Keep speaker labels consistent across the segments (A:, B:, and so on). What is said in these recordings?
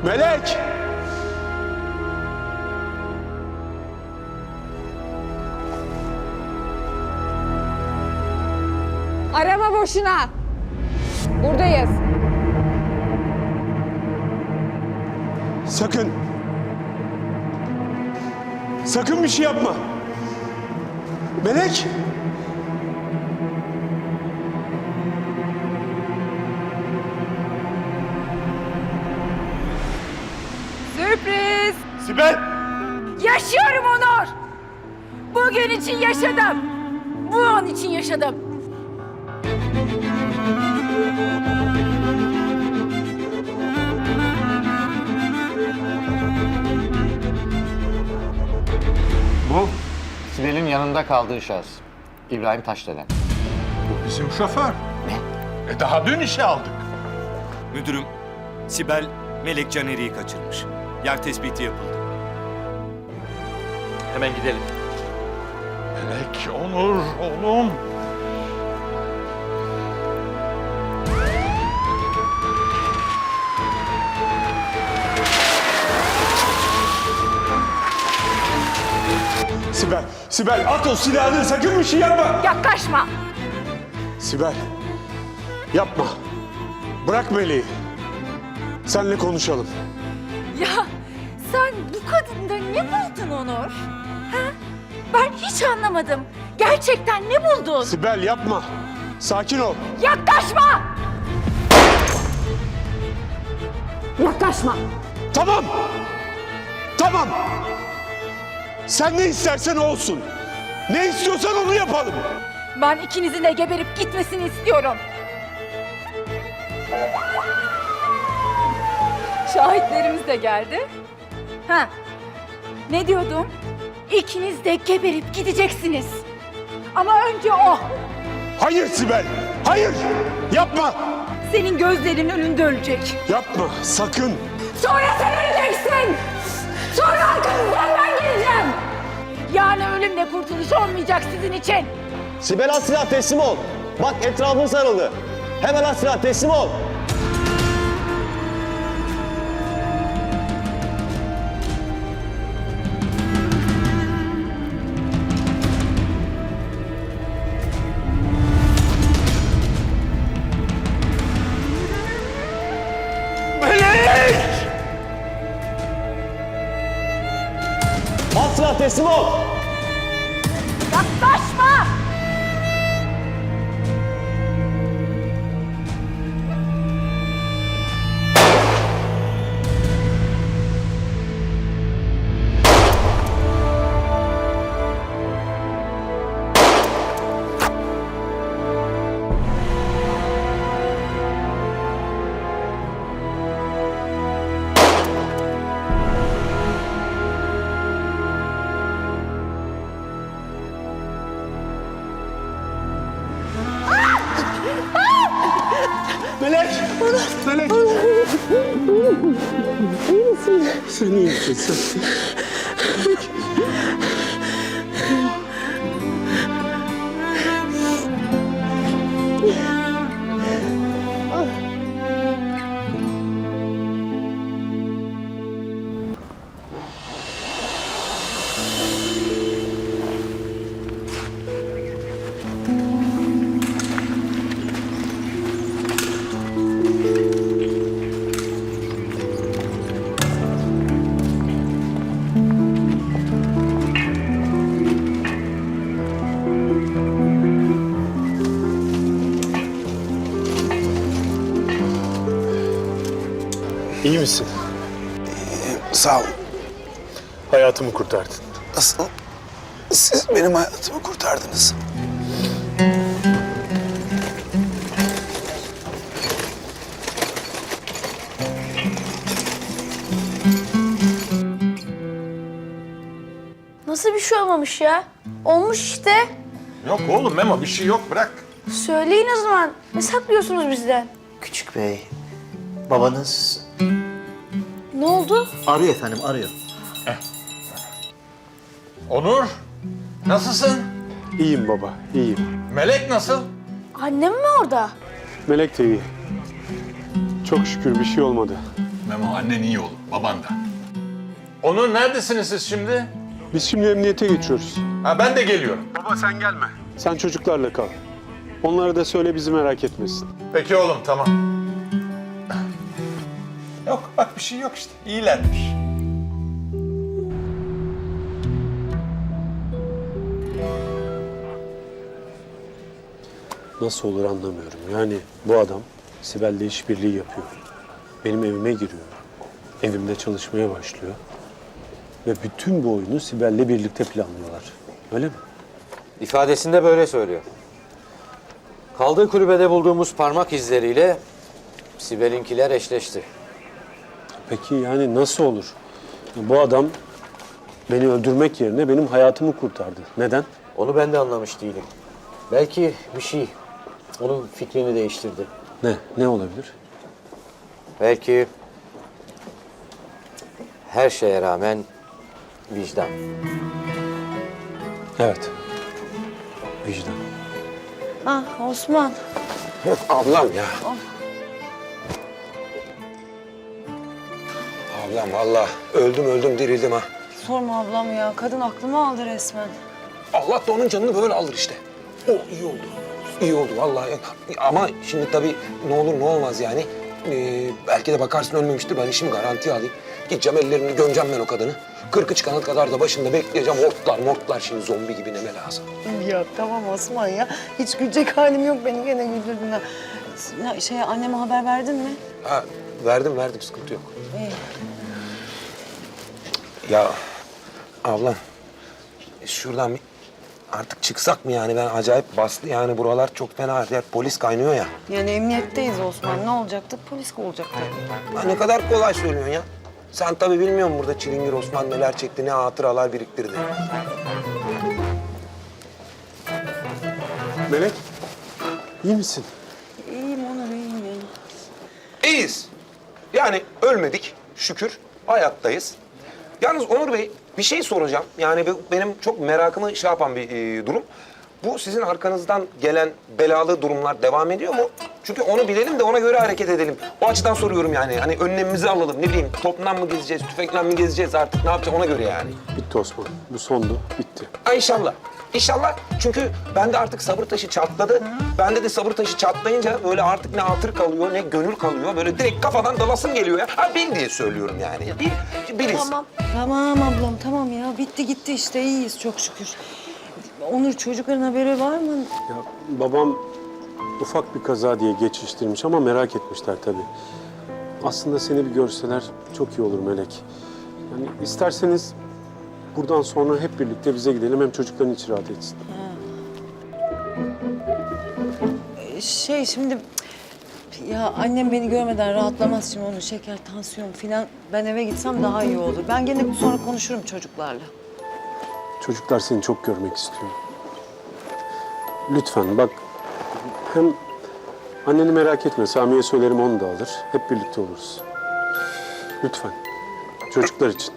A: Melek!
B: Arama boşuna. Buradayız.
A: Sakın! Sakın bir şey yapma! Melek!
B: Sürpriz!
A: Sibel!
B: Yaşıyorum Onur! Bugün için yaşadım. Bu an için yaşadım.
C: Bu Sibel'in yanında kaldığı şahıs. İbrahim Taşdelen.
D: Bu bizim şoför.
C: Ne?
D: Daha dün işe aldık.
E: Müdürüm, Sibel Melek Caner'i kaçırmış. Yer tespiti yapıldı.
C: Hemen gidelim.
D: Melek, Onur, oğlum.
A: Sibel! Sibel at o silahını, sakın bir şey yapma!
B: Yaklaşma!
A: Sibel! Yapma! Bırak Melek'i. Seninle konuşalım.
B: Ya sen bu kadında ne buldun Onur? Ha? Ben hiç anlamadım. Gerçekten ne buldun?
A: Sibel yapma! Sakin ol!
B: Yaklaşma! Yaklaşma!
A: Tamam! Tamam! Sen ne istersen olsun. Ne istiyorsan onu yapalım.
B: Ben ikinizin de geberip gitmesini istiyorum. Şahitlerimiz de geldi. Ha, ne diyordum? İkiniz de geberip gideceksiniz. Ama önce o.
A: Hayır Sibel! Hayır! Yapma!
B: Senin gözlerinin önünde ölecek.
A: Yapma! Sakın!
B: Sonra sen öleceksin. Sonra arkanızdan ben geleceğim. Yani ölümle kurtuluş olmayacak sizin için.
F: Sibel at silah teslim ol. Bak etrafın sarıldı. Hemen at silah teslim ol.
A: Melek!
F: At silah teslim ol.
B: Yaklaşma!
A: Melek! Melek! İyi misin? Sen iyi misin sen? İyi misin?
G: Sağ ol.
A: Hayatımı kurtardın.
G: Nasıl? Siz benim hayatımı kurtardınız.
H: Nasıl bir şey olmamış ya? Olmuş işte.
D: Yok oğlum Memo, bir şey yok, bırak.
H: Söyleyin o zaman. Ne saklıyorsunuz bizden?
F: Küçük bey, babanız
H: Ne oldu?
F: arıyor efendim, arıyor.
D: Onur, nasılsın?
A: İyiyim baba, iyiyim.
D: Melek nasıl?
H: Annem mi orada?
A: Melek de iyi. Çok şükür bir şey olmadı.
D: Memo annen iyi olur, baban da. Onur neredesiniz siz şimdi?
A: Biz şimdi emniyete geçiyoruz.
D: Ha ben de geliyorum.
A: Baba sen gelme. Sen çocuklarla kal. Onlara da söyle bizi merak etmesin.
D: Peki oğlum tamam. Yok bak bir şey yok işte. İyilermiş.
A: Nasıl olur anlamıyorum. Yani bu adam Sibel'le işbirliği yapıyor. Benim evime giriyor. Evimde çalışmaya başlıyor. Ve bütün bu oyunu Sibel'le birlikte planlıyorlar. Öyle mi?
C: İfadesinde böyle söylüyor. Kaldığı kulübede bulduğumuz parmak izleriyle Sibel'inkiler eşleşti.
A: Peki yani nasıl olur? Bu adam beni öldürmek yerine benim hayatımı kurtardı. Neden?
C: Onu ben de anlamış değilim. Belki bir şey onun fikrini değiştirdi.
A: Ne? Ne olabilir?
C: Belki her şeye rağmen vicdan.
A: Evet. Vicdan.
H: Ah Osman.
G: Ablam ya. Ablam vallahi öldüm dirildim ha.
I: Sorma ablam ya. Kadın aklımı aldı resmen.
G: Allah da onun canını böyle alır işte. O iyi oldu. İyi oldu vallahi. Ama şimdi tabii ne olur ne olmaz yani. Belki de bakarsın ölmemiştir. Ben işimi garantiye alayım. Gideceğim ellerini gömeceğim ben o kadını. 40'ı çıkana kadar da başında bekleyeceğim. Hortlar şimdi zombi gibi neme lazım.
I: Ya tamam Osman ya. Hiç gülecek halim yok. Beni gene güldürdün ha. Anneme haber verdin mi?
G: Ha, verdim sıkıntı yok.
I: İyi.
G: Ya ablam şuradan bir artık çıksak mı yani? Ben acayip bastı yani buralar çok fena. Ya, polis kaynıyor ya.
I: Yani emniyetteyiz Osman. Ne olacaktı? Polis olacaktı.
G: Ha, ne kadar kolay söylüyorsun ya. Sen tabii bilmiyorsun burada Çilingir Osman neler çekti, ne hatıralar biriktirdi.
A: Melek, iyi misin?
I: İyiyim Onur, iyiyim ya.
G: İyiyiz. Yani ölmedik şükür. Hayattayız. Yalnız Onur Bey bir şey soracağım. Yani benim çok merakımı şey yapan bir durum. Bu sizin arkanızdan gelen belalı durumlar devam ediyor mu? Çünkü onu bilelim de ona göre hareket edelim. O açıdan soruyorum yani. Hani önlemimizi alalım. Ne bileyim topla mı gezeceğiz, tüfekle mi gezeceğiz artık ne yapacağız ona göre yani.
A: Bitti Osman. Bu sondu. Bitti.
G: Ha inşallah. İnşallah çünkü bende artık sabır taşı çatladı. Bende de sabır taşı çatlayınca böyle artık ne hatır kalıyor ne gönül kalıyor. Böyle direkt kafadan dalasım geliyor ya. Ha bil diye söylüyorum yani. Biliriz.
H: Tamam.
I: Tamam ablam, tamam ya. Bitti gitti işte. İyiyiz çok şükür. Onur, çocukların haberi var mı?
A: Ya babam ufak bir kaza diye geçiştirmiş ama merak etmişler tabii. Aslında seni bir görseler çok iyi olur Melek. Yani isterseniz buradan sonra hep birlikte bize gidelim hem çocukların içi rahat etsin.
I: Şimdi... Ya annem beni görmeden rahatlamaz şimdi onun şeker, tansiyon filan. Ben eve gitsem daha iyi olur. Ben gene sonra konuşurum çocuklarla.
A: Çocuklar seni çok görmek istiyor. Lütfen bak hem anneni merak etme. Sami'ye söylerim onu da alır. Hep birlikte oluruz. Lütfen. Çocuklar için.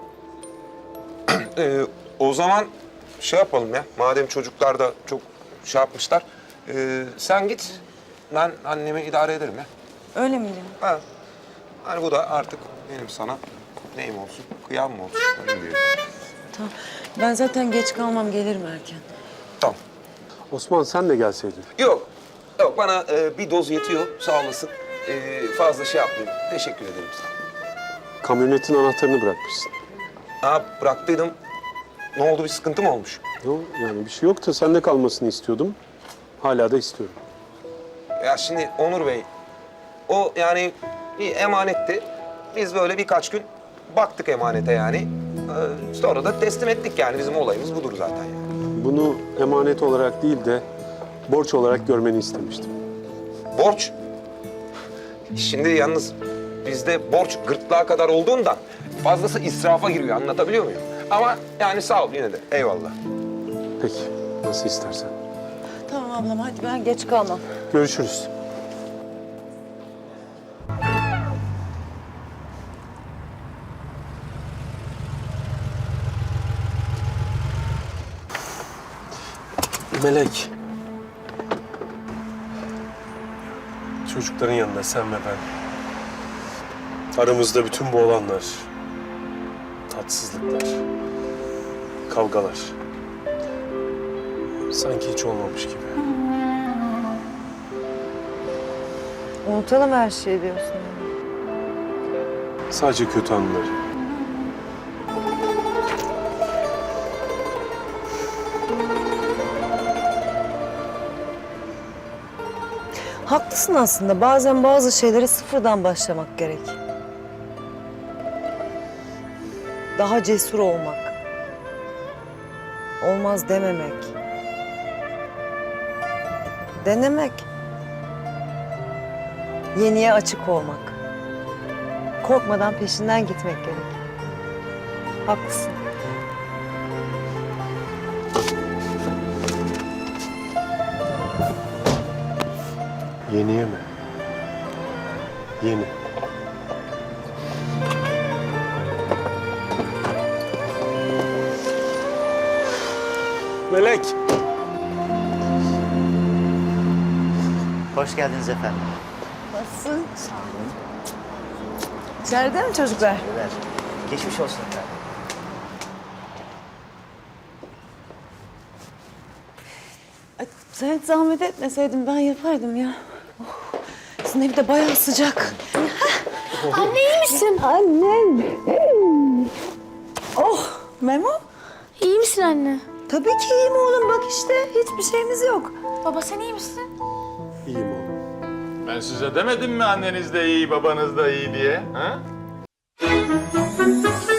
G: O zaman şey yapalım ya. Madem çocuklar da çok şey yapmışlar. Sen git. Ben annemi idare ederim ya.
I: Öyle mi diyorsun?
G: Ha. Hani bu da artık benim sana neyim olsun, kıyam mı olsun? Öyle diyelim.
I: Tamam. Ben zaten geç kalmam, gelirim erken.
G: Tamam.
A: Osman sen de gelseydin.
G: Yok bana bir doz yetiyor. Sağ olasın. Fazla şey yapmayayım. Teşekkür ederim sana.
A: Kamyonetin anahtarını bırakmışsın.
G: Ha bıraktıydım. Ne oldu bir sıkıntı mı olmuş?
A: Yok yani bir şey yok da sende kalmasını istiyordum. Hala da istiyorum.
G: Ya şimdi Onur Bey, o yani bir emanetti. Biz böyle birkaç gün baktık emanete yani. Sonra da teslim ettik yani. Bizim olayımız budur zaten yani.
A: Bunu emanet olarak değil de borç olarak görmeni istemiştim.
G: Borç. Şimdi yalnız bizde borç gırtlağa kadar olduğundan fazlası israfa giriyor. Anlatabiliyor muyum? Ama yani sağ ol yine de. Eyvallah.
A: Peki, nasıl istersen.
I: Tamam ablam, hadi ben geç kalmam.
A: Görüşürüz. Melek. Çocukların yanında sen ve ben. Aramızda bütün bu olanlar, tatsızlıklar, kavgalar. Sanki hiç olmamış gibi.
I: Unutalım her şeyi diyorsun. Yani.
A: Sadece kötü anıları.
I: Haklısın aslında. Bazen bazı şeylere sıfırdan başlamak gerek. Daha cesur olmak. Olmaz dememek. Denemek. Yeniye açık olmak. Korkmadan peşinden gitmek gerek. Haklısın.
A: Yeniye mi? Yeni. Melek.
J: Hoş geldiniz efendim.
I: Nasılsın? İçeride mi çocuklar?
J: Beyler, geçmiş olsun efendim.
I: Ay, sen hiç zahmet etmeseydin ben yapardım ya. Oh, sizin evde bayağı sıcak.
B: Anne iyi misin?
I: Annem. Oh, Memo.
B: İyi misin anne?
I: Tabii ki iyiyim oğlum. Bak işte hiçbir şeyimiz yok.
B: Baba sen iyi misin?
A: İyiyim oğlum.
D: Ben size demedim mi anneniz de iyi, babanız da iyi diye? Ha?